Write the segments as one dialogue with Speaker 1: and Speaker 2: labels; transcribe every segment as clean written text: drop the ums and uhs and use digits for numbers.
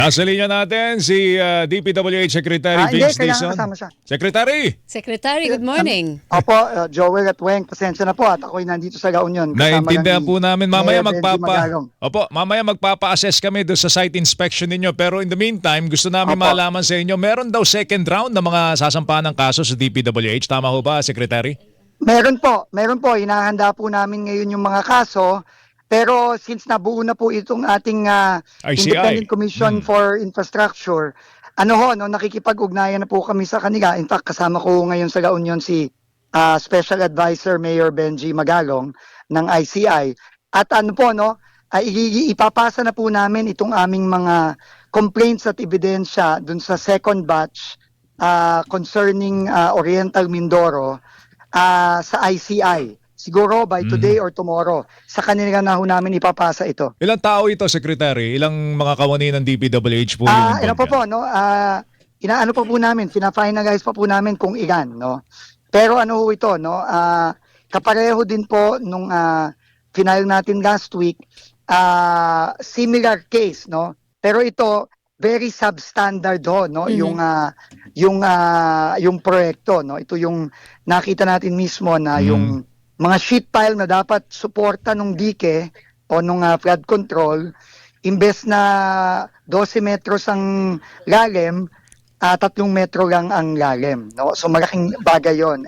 Speaker 1: Nasa linya natin si DPWH Secretary
Speaker 2: Hindi,
Speaker 1: Vince
Speaker 2: kailangan
Speaker 1: Dizon.
Speaker 2: kasama siya.
Speaker 1: Secretary,
Speaker 3: Secretary, good morning.
Speaker 2: Opo, Joel at Weng, pasensya na po at ako'y nandito sa La Union. Kasama
Speaker 1: naintindihan
Speaker 2: lang ni
Speaker 1: po namin mamaya
Speaker 2: Mayor Benji Magalong.
Speaker 1: mamaya magpapa-assess kami doon sa site inspection ninyo. Pero in the meantime, gusto namin
Speaker 2: Opo.
Speaker 1: malaman sa inyo, meron daw second round ng mga sasampahan ng kaso sa DPWH. Tama ho ba, Secretary?
Speaker 2: Meron po. Hinahanda po namin ngayon yung mga kaso. Pero since nabuo na po itong ating
Speaker 1: ICI.
Speaker 2: Independent Commission for Infrastructure, nakikipag-ugnayan na po kami sa kanila. In fact, kasama ko ngayon sa La Union si Special Advisor Mayor Benji Magalong ng ICI. At ipapasa na po namin itong aming mga complaints at ebidensya dun sa second batch concerning Oriental Mindoro sa ICI. Siguro by today or tomorrow, sa kanila na ho namin ipapasa ito.
Speaker 1: Ilang tao ito, Secretary? Ilang mga kawani ng DPWH po yung
Speaker 2: Inaano pa po namin, fina-finalize pa po namin kung ilan, no? Pero ano ho ito, no? Kapareho din po nung final natin last week, similar case, no? Pero ito very substandard ho, no? Yung proyekto, no? Ito yung nakita natin mismo na yung mga sheet pile na dapat suporta nung dike o nung flood control, imbes na 12 metros ang lalim, 3 metro lang ang lalim, no? So malaking bagay yun.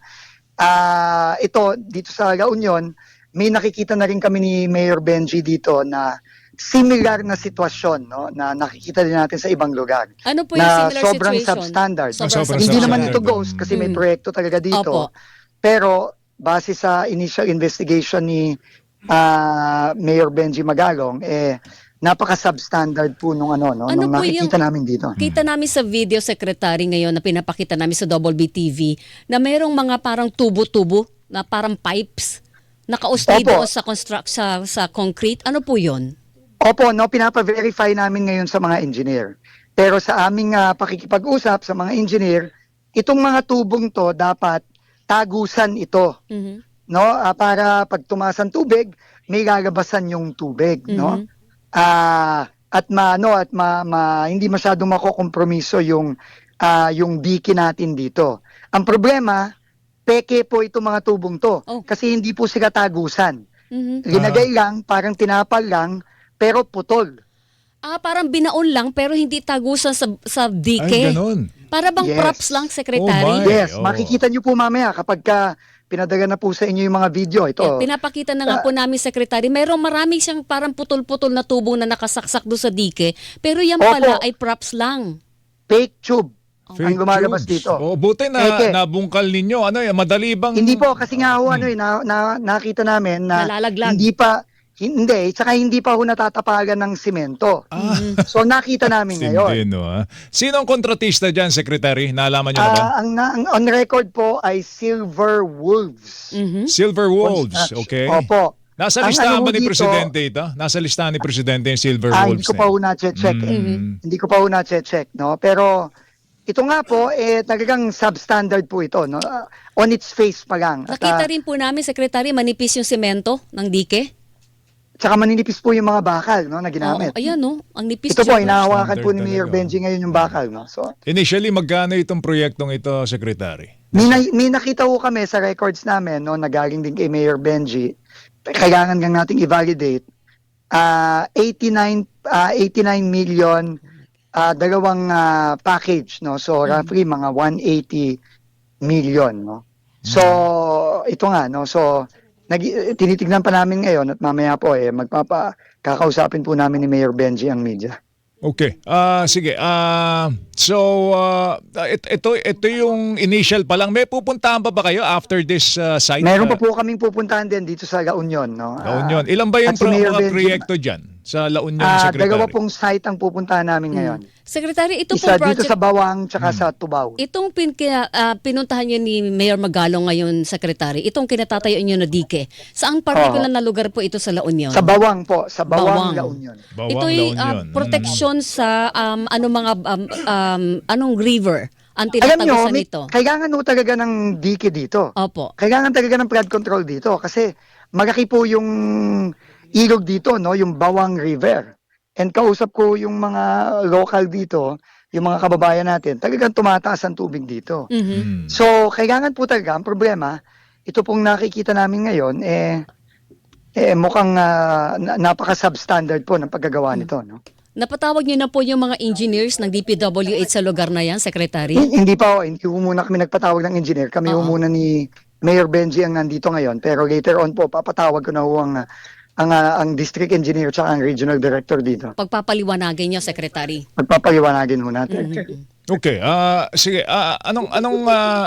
Speaker 2: Ito dito sa La Union, may nakikita na rin kami ni Mayor Benji dito na similar na sitwasyon, no, na nakikita din natin sa ibang lugar.
Speaker 3: Ano po yung
Speaker 2: na
Speaker 3: similar
Speaker 2: sobrang
Speaker 3: situation?
Speaker 2: substandard.
Speaker 3: Sobrang
Speaker 2: Hindi naman
Speaker 1: substandard.
Speaker 2: ito ghost kasi may proyekto talaga dito.
Speaker 3: Opo.
Speaker 2: Pero base sa initial investigation ni Mayor Benji Magalong, napaka-substandard po nung nung
Speaker 3: po
Speaker 2: nakikita
Speaker 3: yung-
Speaker 2: namin dito.
Speaker 3: Kita namin sa video, Secretary, ngayon na pinapakita namin sa Double B TV na mayroong mga parang tubo-tubo na parang pipes nakaustay
Speaker 2: Opo.
Speaker 3: doon sa concrete. Ano po yun?
Speaker 2: Opo, no, pinapa-verify namin ngayon sa mga engineer. Pero sa aming pakikipag-usap sa mga engineer, itong mga tubong to dapat tagusan ito,
Speaker 3: Mhm.
Speaker 2: no? Para pag tumaas ang tubig, may lalabasan yung tubig, no? Hindi masyadong makokompromiso yung dike natin dito. Ang problema, peke po itong mga tubong to
Speaker 3: Oh.
Speaker 2: kasi hindi po sila tagusan.
Speaker 3: Mhm.
Speaker 2: Linagay lang, parang tinapal lang, pero putol.
Speaker 3: Parang binaon lang pero hindi tagusan sa
Speaker 1: Ay,
Speaker 3: dike.
Speaker 1: ganun.
Speaker 3: Para bang
Speaker 2: Yes.
Speaker 3: props lang, Secretary?
Speaker 1: Oh my.
Speaker 2: Yes,
Speaker 1: oo.
Speaker 2: makikita nyo po mamaya kapag pinadala na po sa inyo yung mga video. Ito,
Speaker 3: Pinapakita na nga po namin, Secretary. Mayroong marami siyang parang putol-putol na tubong na nakasaksak doon sa dike. Pero yan
Speaker 2: Opo.
Speaker 3: pala ay props lang.
Speaker 2: fake tube
Speaker 1: Fake
Speaker 2: ang lumalabas
Speaker 1: tubes.
Speaker 2: dito.
Speaker 1: Oh, buti
Speaker 2: Eke.
Speaker 1: nabungkal ninyo. Madali bang...
Speaker 2: Hindi po, kasi nga ho, nakita namin na
Speaker 3: Nalalaglag.
Speaker 2: tsaka hindi pa ho natatapagan ng simento. So nakita namin ngayon.
Speaker 1: Hindi, no, ha? Sino ang kontratista dyan, Secretary? Naalaman nyo na ba?
Speaker 2: Ang on record po ay Silver Wolves.
Speaker 3: Mhm.
Speaker 1: Silver Wolves,
Speaker 2: Construction.
Speaker 1: okay.
Speaker 2: Opo.
Speaker 1: Nasa
Speaker 2: Ang
Speaker 1: listahan
Speaker 2: ano
Speaker 1: ba
Speaker 2: ho
Speaker 1: ni
Speaker 2: dito-
Speaker 1: Presidente ito? Nasa listahan ni Presidente yung Silver Wolves
Speaker 2: Hindi ko pa ho na-check. Hindi ko pa ho na-check, no? Pero ito nga po, talagang substandard po ito, no? On its face pa lang. At,
Speaker 3: Nakita rin po namin, Secretary, manipis yung semento ng dike.
Speaker 2: tsaka maninipis po yung mga bakal, no, na ginamit.
Speaker 3: Oo, ayan, no? Ang nipis
Speaker 2: Ito po,
Speaker 3: siya.
Speaker 2: hinahawakan po ni
Speaker 1: Standard
Speaker 2: Mayor
Speaker 1: talaga.
Speaker 2: Benji ngayon yung bakal, no? So,
Speaker 1: Initially, magkano itong proyektong ito, Secretary?
Speaker 2: may nakita ko kami sa records namin, no, na galing din kay Mayor Benji. Kailangan lang nating i-validate. 89 million dalawang package, no. So roughly mga 180 million, no. So ito nga, no. So tinitignan pa namin ngayon at mamaya po kakausapin po namin ni Mayor Benji ang media.
Speaker 1: Okay. Sige. Ito yung initial pa lang. May pupuntahan pa ba kayo after this site?
Speaker 2: Meron pa po kaming pupuntahan din dito sa La Union, no.
Speaker 1: La Union. Ilan ba yung
Speaker 2: at si Mayor
Speaker 1: mga
Speaker 2: Benji-
Speaker 1: proyekto dyan sa La Union, Secretary?
Speaker 2: Dalawa pong site ang pupuntahan namin ngayon.
Speaker 3: Secretary, ito
Speaker 2: Isa
Speaker 3: pong
Speaker 2: dito
Speaker 3: project,
Speaker 2: sa Bawang tsaka sa Tubao.
Speaker 3: itong pinuntahan niyo ni Mayor Magalong ngayon, Secretary, itong kinatatayo niyo na dike. Saang particular na lugar po ito sa La Union?
Speaker 2: Sa Bawang po, sa Bawang,
Speaker 3: Bawang.
Speaker 2: La Union.
Speaker 1: Bawang,
Speaker 3: Ito'y
Speaker 1: La Union.
Speaker 3: protection sa anong river ang
Speaker 2: Alam nyo,
Speaker 3: tinatagusan nito.
Speaker 2: kailangan ho talaga ng dike dito.
Speaker 3: Opo.
Speaker 2: Kailangan talaga ng flood control dito kasi malaki po yung ilog dito, no, yung Bawang River. and kausap ko yung mga local dito, yung mga kababayan natin, talagang tumataas ang tubig dito.
Speaker 3: Mhm.
Speaker 2: So, kailangan po talaga, ang problema, ito pong nakikita namin ngayon, mukhang napaka-substandard po ng paggagawa nito. No?
Speaker 3: Napatawag niyo na po yung mga engineers ng DPWH sa lugar na yan, Secretary?
Speaker 2: Hindi pa, hindi po muna kami nagpatawag ng engineer. Kami po muna ni Mayor Benji ang nandito ngayon. Pero later on po, papatawag ko na ho ang district engineer at ang regional director dito.
Speaker 3: Pagpapaliwanagin niyo, Secretary.
Speaker 2: Magpapaliwanagin ho natin.
Speaker 1: Okay, sige, anong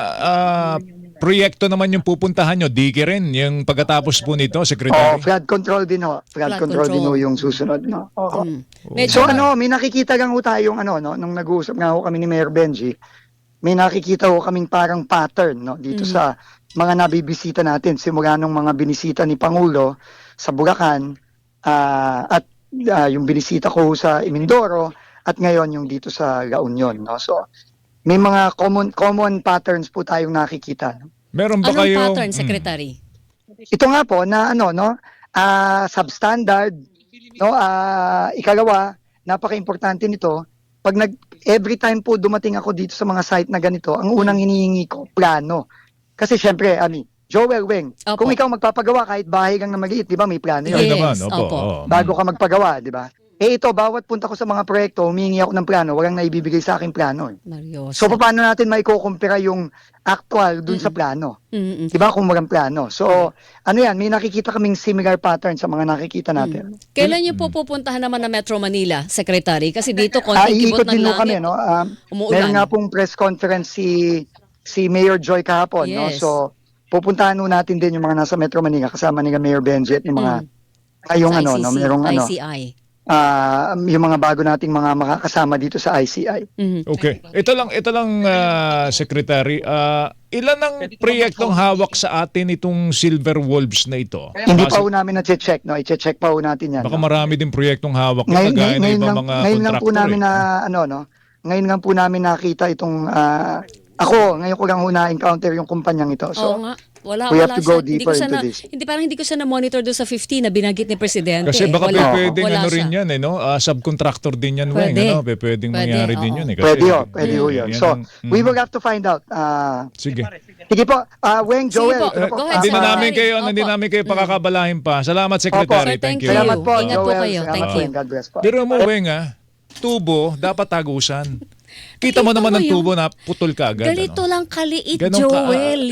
Speaker 1: proyekto naman yung pupuntahan nyo? Dike rin, yung pagkatapos po nito, Secretary?
Speaker 2: Flood control din ho. Flood control din ho yung susunod. No? Oo.
Speaker 3: Medyo,
Speaker 2: So may nakikita lang ho tayong no, nung nag-uusap nga ho kami ni Mayor Benji, may nakikita ho kaming parang pattern no, dito sa mga nabibisita natin. Simula nung mga binisita ni Pangulo sa Bulacan at yung binisita ko sa Imindoro at ngayon yung dito sa La Union. No? So may mga common patterns po tayong nakikita. No?
Speaker 1: Meron ba
Speaker 3: anong
Speaker 1: kayo?
Speaker 3: pattern, Secretary?
Speaker 2: Ito nga po na substandard, no, ikalawa, napaka-importante nito. Pag every time po dumating ako dito sa mga site na ganito, ang unang hinihingi ko plano. Kasi syempre, Joel Weng,
Speaker 3: Opo.
Speaker 2: kung ikaw magpapagawa kahit bahay lang na maliit, 'di ba, may plano 'yun.
Speaker 1: Ay,
Speaker 3: Yes,
Speaker 1: naman, opo.
Speaker 3: opo.
Speaker 1: oo.
Speaker 2: Bago ka magpagawa, 'di ba? Ito, bawat punta ko sa mga proyekto, humingi ako ng plano, walang naibibigay sa akin plano.
Speaker 3: Mario.
Speaker 2: So paano natin maikukumpara yung actual dun sa plano?
Speaker 3: Mm-mm.
Speaker 2: 'Di ba, kung walang plano. So, yan, may nakikita kaming similar pattern sa mga nakikita natin.
Speaker 3: Kailan niyo po pupuntahan naman na Metro Manila, Secretary? Kasi dito konting kibot
Speaker 2: Iikot
Speaker 3: ng
Speaker 2: din ho
Speaker 3: langit.
Speaker 2: kami, no?
Speaker 3: Umuulan.
Speaker 2: Meron nga pong press conference si Mayor Joy kahapon, no?
Speaker 3: Yes.
Speaker 2: So, pupuntahan ho natin din yung mga nasa Metro Manila kasama ni Mayor Benji at yung mga yung
Speaker 3: Sa ICC,
Speaker 2: merong
Speaker 3: ICI.
Speaker 2: yung mga bago nating mga makakasama dito sa ICI.
Speaker 3: Mhm.
Speaker 1: Okay. Ito lang Secretary. Ilan ang proyektong hawak sa atin itong Silver Wolves na ito?
Speaker 2: Hindi pa ho namin na-check, no? I-check pa ho natin yan.
Speaker 1: Baka
Speaker 2: no?
Speaker 1: marami din proyektong hawak nito
Speaker 2: Ngayon,
Speaker 1: gaya ng
Speaker 2: ngayon,
Speaker 1: ibang
Speaker 2: lang,
Speaker 1: mga
Speaker 2: ngayon lang po
Speaker 1: kontraktor.
Speaker 2: namin ngayon lang po namin nakita itong ngayon ko lang ho na-encounter yung kumpanyang ito.
Speaker 3: Oo
Speaker 2: So,
Speaker 3: nga. Wala,
Speaker 2: we have
Speaker 3: wala
Speaker 2: to go
Speaker 3: siya. Hindi
Speaker 2: deeper
Speaker 3: ko siya
Speaker 2: into
Speaker 3: na,
Speaker 2: this.
Speaker 3: hindi ko siya na-monitor doon sa 50 na binanggit ni Presidente.
Speaker 1: Kasi baka pwedeng
Speaker 3: wala
Speaker 1: rin
Speaker 3: siya.
Speaker 1: yan, subcontractor din yan, Weng.
Speaker 3: Pwede.
Speaker 1: Pwedeng
Speaker 3: Pwede,
Speaker 1: mangyari din
Speaker 3: oo.
Speaker 1: yun. Kasi,
Speaker 2: pwede ho yun.
Speaker 1: yan
Speaker 2: So,
Speaker 1: ang-
Speaker 2: we will have to find out.
Speaker 1: Sige.
Speaker 2: Sige po, Weng,
Speaker 3: Sige
Speaker 2: Joel.
Speaker 3: po,
Speaker 2: ano po?
Speaker 3: go ahead,
Speaker 1: Hindi na
Speaker 3: Secretary.
Speaker 1: namin kayo,
Speaker 3: Opo.
Speaker 1: hindi namin kayo pakakabalahin pa. Salamat, Secretary.
Speaker 3: Sir, thank
Speaker 1: Thank you.
Speaker 3: you.
Speaker 2: Salamat po,
Speaker 3: Ingat po
Speaker 2: Joel.
Speaker 3: kayo.
Speaker 2: Salamat
Speaker 3: Thank
Speaker 2: po,
Speaker 3: you.
Speaker 2: and God bless po.
Speaker 1: Pero mo, Weng, tubo, dapat tagusan. Kita mo
Speaker 3: Nakita
Speaker 1: naman
Speaker 3: mo
Speaker 1: ng
Speaker 3: yun?
Speaker 1: tubo na putol ka agad.
Speaker 3: Ganito lang kaliit,
Speaker 1: Ganon ka-
Speaker 3: Joel.